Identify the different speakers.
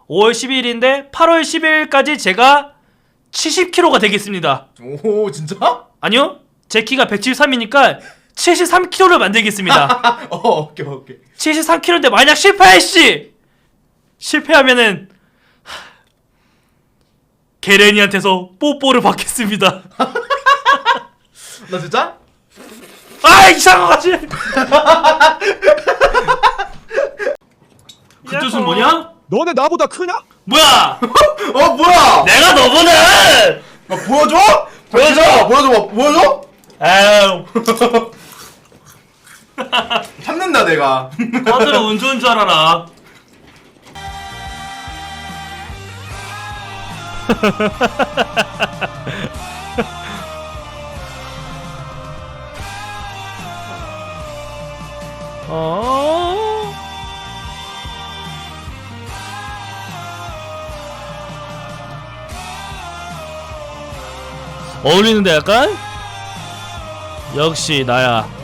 Speaker 1: 5월 12일인데 8월 12일까지 제가 70kg가 되겠습니다.
Speaker 2: 오 진짜?
Speaker 1: 아니요, 제 키가 173이니까 73kg를 만들겠습니다.
Speaker 2: 오케이.
Speaker 1: 73kg인데 만약 실패하면은 게렌이한테서 뽀뽀를 받겠습니다.
Speaker 2: 나 진짜?
Speaker 1: 아, 이상한 거지. 그 뜻은 뭐냐?
Speaker 3: 너네 나보다 크냐?
Speaker 1: 뭐야?
Speaker 2: 뭐야?
Speaker 1: 내가 너보다.
Speaker 2: 보여줘? 보여줘?
Speaker 1: 아유,
Speaker 2: 참는다 내가.
Speaker 1: 다들 운 좋은 줄 알아라. 어울리는데 약간? 역시 나야.